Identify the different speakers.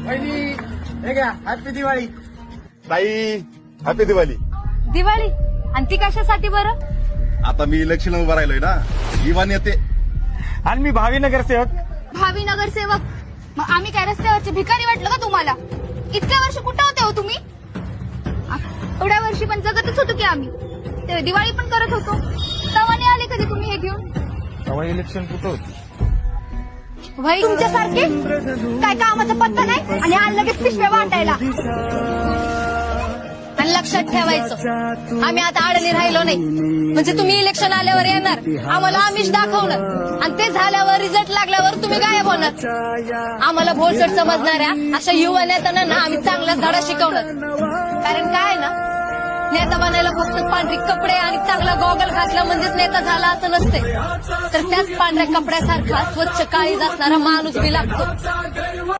Speaker 1: पहिली हे घ्या हॅपी दिवाळी.
Speaker 2: ताई हॅपी दिवाळी.
Speaker 3: दिवाळी आणि ती कशासाठी बरं?
Speaker 2: आता मी इलेक्शन उभा राहिलोय ना, इवान येते.
Speaker 1: आणि मी भावी नगरसेवक.
Speaker 3: भावी नगरसेवक? मग आम्ही काय रस्त्यावरचे भिकारी वाटलं का तुम्हाला? इतक्या वर्ष कुठं होते हो तुम्ही? एवढ्या वर्षी पण जगतच होतो की आम्ही. ते दिवाळी पण करत होतो. तवाने आले कधी तुम्ही हे घेऊन?
Speaker 1: तेव्हा इलेक्शन कुठं होतं?
Speaker 3: भाई तुमच्यासारखे काय कामाचा पत्ता नाही आणि आज लगेच पिशव्या वाटायला. आणि लक्षात ठेवायचं, आम्ही आता आडणी राहिलो नाही. म्हणजे तुम्ही इलेक्शन आल्यावर येणार, आम्हाला आमिष दाखवणार आणि ते झाल्यावर रिझल्ट लागल्यावर तुम्ही गायब होणार. आम्हाला भोळसट समजणाऱ्या अशा युवा नेत्यांना ना आम्ही चांगला धडा शिकवणार. कारण काय ना, नेता बनायला फक्त पांढरी कपडे आणि चांगला गॉगल घातला म्हणजेच नेता झाला असं नसते. तर त्याच पांढऱ्या कपड्यासारखा स्वच्छ काळीज असणारा माणूस बी लागतो.